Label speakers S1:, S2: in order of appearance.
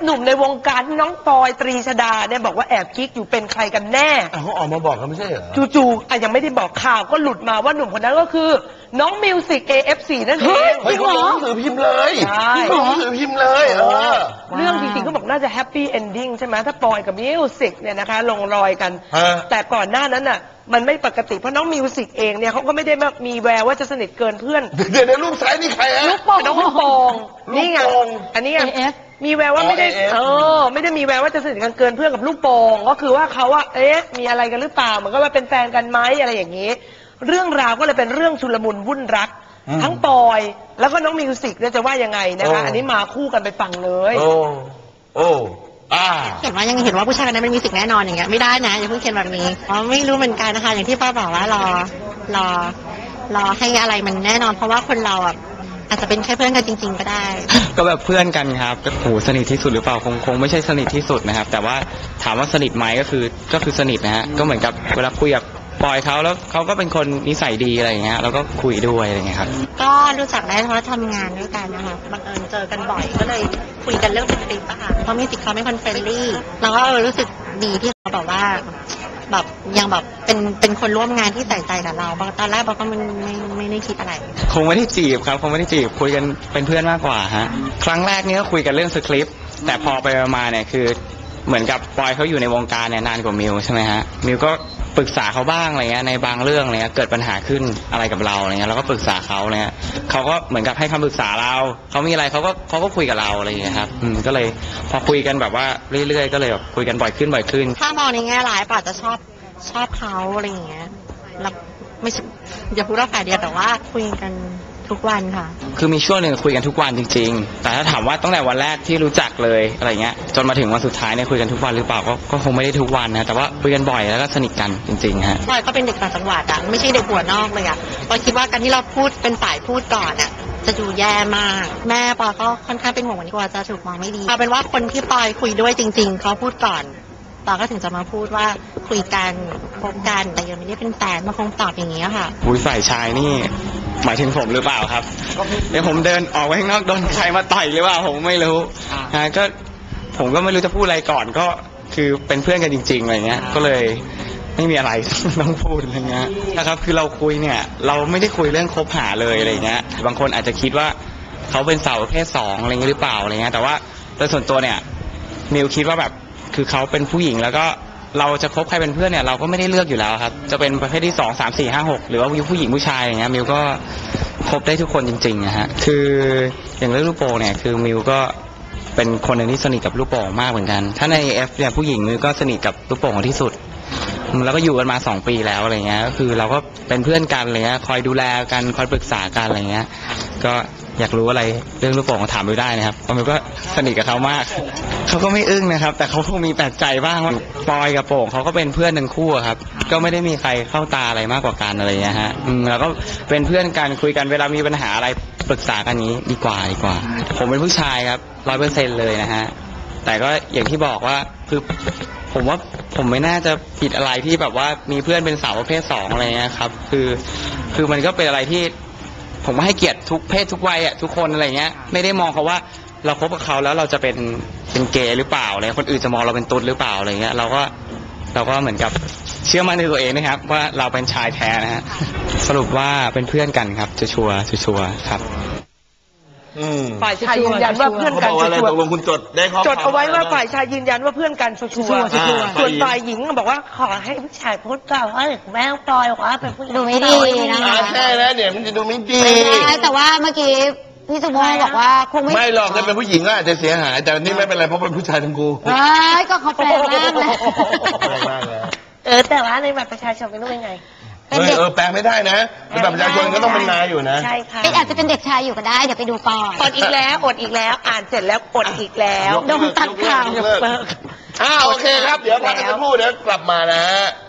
S1: หนุ่มในวงการน้องปอยตรีชดาเนี่ยบอกว่าแอบกิ๊กอยู่เป็นใครกันแน่
S2: เขาออกมาบอกกันไม่ใช่เหรอ
S1: จู่ๆยังไม่ได้บอกข่าวก็หลุดมาว่าหนุ่มคนนั้นก็คือน้องมิวสิก AF4 นั่นเอง
S2: เฮ้ยเขาหนังสือพิมพ์เลยเขาหนังสือพิมพ์เลย
S1: เรื่องจริงๆเขาบอกน่าจะแฮปปี้เอนดิ้งใช่ไหมถ้าปอยกับมิวสิกเนี่ยนะคะลงรอยกันแต่ก่อนหน้านั้นน่ะมันไม่ปกติเพราะน้องมิวสิกเองเนี่ยเขาก็ไม่ได้มีแววว่าจะสนิทเกินเพื่อน
S2: เดี๋ยวในรูปซ้ายนี่ใครฮะ
S1: ลูกโป่งน้องลูกโป่งนี่ไงอันนี้มีแววว่าไม่ได้ไม่ได้มีแววว่าจะสนิทกันเกินเพื่อนกับลูกโป่งก็คือว่าเขาว่ามีอะไรกันหรือเปล่าเหมือนกับว่าเป็นแฟนกันไหมอะไรอย่างนี้เรื่องราวก็เลยเป็นเรื่องชุลมุนวุ่นรักทั้งปอยแล้วก็น้องมิวสิกเนี่ยจะว่ายังไงนะคะอันนี้มาคู่กันไปฟังเลย
S3: เขียนว่ายังเห็นว่าผู้ชายคนนั้นเป็นมิวสิกแน่นอนอย่างเงี้ยไม่ได้นะอย่าเพิ่งเขียนแบบนี้ไม่รู้เหมือนกันนะคะอย่างที่ป้าบอกว่ารอให้อะไรมันแน่นอนเพราะว่าคนเราอ่ะอาจจะเป็นแค่เพื่อนกันจริงๆก็ได้
S4: ก็แบบเพื่อนกันครับโหสนิทที่สุดหรือเปล่าคงไม่ใช่สนิทที่สุดนะครับแต่ว่าถามว่าสนิทไหมก็คือสนิทนะฮะก็เหมือนกับเวลาคุยกับปอยเขาแล้วเขาก็เป็นคนนิสัยดีอะไรอย่างเงี้ยแล้วก็คุยด้วยอะไรอย่างเงี้ยครับ
S3: ก็รู้จักได้เพราะทำงานด้วยกันนะคะบังเอิญเจอกันบ่อยก็เลยคุยกันเรื่องสคริปต์อะค่ะเพราะมิวสิกเขาเป็นคนเฟรนลี่แล้วก็รู้สึกดีที่เขาบอกว่าแบบยังแบบเป็นคนร่วมงานที่ใส่ใจกับเราตอนแรกเราก็ไม่ได้คิดอะไร
S4: คงไม่ได้จีบครับคงไม่ได้จีบคุยกันเป็นเพื่อนมากกว่าฮะครั้งแรกนี่ก็คุยกันเรื่องสคริปต์แต่พอไปมาเนี่ยคือเหมือนกับปอยเขาอยู่ในวงการเนี่ยนานกว่ามิวใช่ไหมฮะมิวก็ปรึกษาเขาบ้างอะไรเงี้ยในบางเรื่องอะไรเงี้ยเกิดปัญหาขึ้นอะไรกับเราอะไรเงี้ยเราก็ปรึกษาเขาเนี่ยเขาก็เหมือนกับให้คำปรึกษาเราเขามีอะไรเขาก็คุยกับเราอะไรอย่างเงี้ยครับก็เลยพอคุยกันแบบว่าเรื่อยๆก็เลยแบบคุยกันบ่อยขึ้น
S3: ถ้ามองในแง่ร้ายป่าจะชอบเขาอะไรอย่างเงี้ยแล้วไม่อย่าพูดว่าฝ่ายเดียวแต่ว่าคุยกันทุกวันค่ะ
S4: คือมีช่วงหนึ่งคุยกันทุกวันจริงๆแต่ถ้าถามว่าตั้งแต่วันแรกที่รู้จักเลยอะไรเงี้ยจนมาถึงวันสุดท้ายเนี่ยคุยกันทุกวันหรือเปล่าก็คงไม่ได้ทุกวันนะแต่ว่าคุยกันบ่อยแล้วก็สนิทกันจริงๆฮะ
S3: ปอยก็เป็นเด็กต่างจังหวัดอ่ะไม่ใช่เด็กหัวนอกเลยอ่ะปอยคิดว่าการที่เราพูดเป็นฝ่ายพูดก่อนอ่ะจะดูแย่มากแม่ปอยก็ค่อนข้างเป็นห่วงวันนี้กว่าจะถูกมองไม่ดีเอาเป็นว่าคนที่ปอยคุยด้วยจริงๆเขาพูดก่อนปอยก็ถึงจะมาพูดว่าคุยกันคบกันแต่ยังไม่ได้เป็นแฟนมาคงตอบอย่างนี้ค่ะ
S4: ฝ่ายชายนี่หมายถึงผมหรือเปล่าครับเดี๋ยวผมเดินออกไปข้างนอกโดนใครมาต่อยหรือเปล่าผมไม่รู้ก็ผมก็ไม่รู้จะพูดอะไรก่อนก็คือเป็นเพื่อนกันจริงๆอะไรเงี้ยก็เลยไม่มีอะไรต้องพูดอะไรเงี้ยนะครับคือเราคุยเนี่ยเราไม่ได้คุยเรื่องคบหาเลยอะไรเงี้ยบางคนอาจจะคิดว่าเขาเป็นสาวประเภท2อะไรเงี้ยหรือเปล่าอะไรเงี้ยแต่ว่าโดยส่วนตัวเนี่ยมิวคิดว่าแบบคือเขาเป็นผู้หญิงแล้วก็เราจะคบใครเป็นเพื่อนเนี่ยเราก็ไม่ได้เลือกอยู่แล้วครับจะเป็นประเภทที่2 3 4 5 6หรือว่าผู้หญิงผู้ชายอย่างเงี้ยมิวก็คบได้ทุกคนจริงๆนะฮะคืออย่างเรื่องลูกโป่งเนี่ยคือมิวก็เป็นคนหนึ่งที่สนิทกับลูกโป่งมากเหมือนกันถ้าใน AF เนี่ยผู้หญิงมิวก็สนิทกับลูกโป่งที่สุดแล้วก็อยู่กันมา2 ปีแล้วอะไรเงี้ยก็คือเราก็เป็นเพื่อนกันอะไรเงี้ยคอยดูแลกันคอยปรึกษากันอะไรเงี้ยก็อยากรู้อะไรเรื่องลูกโป่งถามมิวได้นะครับเพราะมิวก็สนิทกับเขามากเขาก็ไม่อึ้งนะครับแต่เขาคงมีแปลกใจบ้างว่าปอยกับโป่งเขาก็เป็นเพื่อนทั้งคู่ครับก็ไม่ได้มีใครเข้าตาอะไรมากกว่ากันอะไรเงี้ยฮะแล้วก็เป็นเพื่อนกันคุยกันเวลามีปัญหาอะไรปรึกษากันนี้ดีกว่าผมเป็นผู้ชายครับ 100% เลยนะฮะแต่ก็อย่างที่บอกว่าคือผมว่าผมไม่น่าจะผิดอะไรที่แบบว่ามีเพื่อนเป็นสาวประเภท2อะไรเงี้ยครับคือมันก็เป็นอะไรที่ผมว่าให้เกียรติทุกเพศทุกวัยอ่ะทุกคนอะไรเงี้ยไม่ได้มองเขาว่าเราคบกับเขาแล้วเราจะเป็นเกย์หรือเปล่าอะไรคนอื่นจะมองเราเป็นตุ๊ดหรือเปล่าอะไรเงี้ยเราก็เหมือนกับเชื่อมั่นในตัวเองนะครับว่าเราเป็นชายแท้นะฮะสรุปว่าเป็นเพื่อนกันครับชัวร์ครับ
S1: ฝ่ายชายยืนยันว่าเพื่อนกันชัวร์
S2: ตกลงคุณจด
S1: เอาไว้ว่าฝ่ายชายยืนยันว่าเพื่อนกันชัวร์ส่วนฝ่ายหญิงบอกว่าขอให้ผู้ชายพูดก่อนว่าแม่ปล่อยว่าเป็นผู้หญิง
S3: ดูไม่ดีนะคะ
S2: ใช่แล้วเนี่ยมันจะดูไม่ดี
S3: แต่ว่าเมื่อกี้พี่สุโมบอกว่าคง
S2: ไม่หรอกถ้าเป็นผู้หญิงก็อาจจะเสียหายแต่นี่ไม่เป็นไรเพราะเป็นผู้ชายทั้งคู่
S3: ก็เขาแปลงร่างเลย
S1: แต่ว่าในบัตรประชาชนเป็นรูปยังไง
S2: แปลไม่ได้นะในบัตรประชาชนก็ต้องเป็นนายอยู่นะ
S1: ใช่ค่ะ
S3: อาจจะเป็นเด็กชายอยู่ก็ได้เดี๋ยวไปดูก่อน
S1: อดอีกแล้วอ่านเสร็จแล้วอดอีกแล้ว
S3: โดนตัดข่าว
S2: โอเคครับเดี๋ยวพักกันสักครู่เดี๋ยวกลับมานะฮะ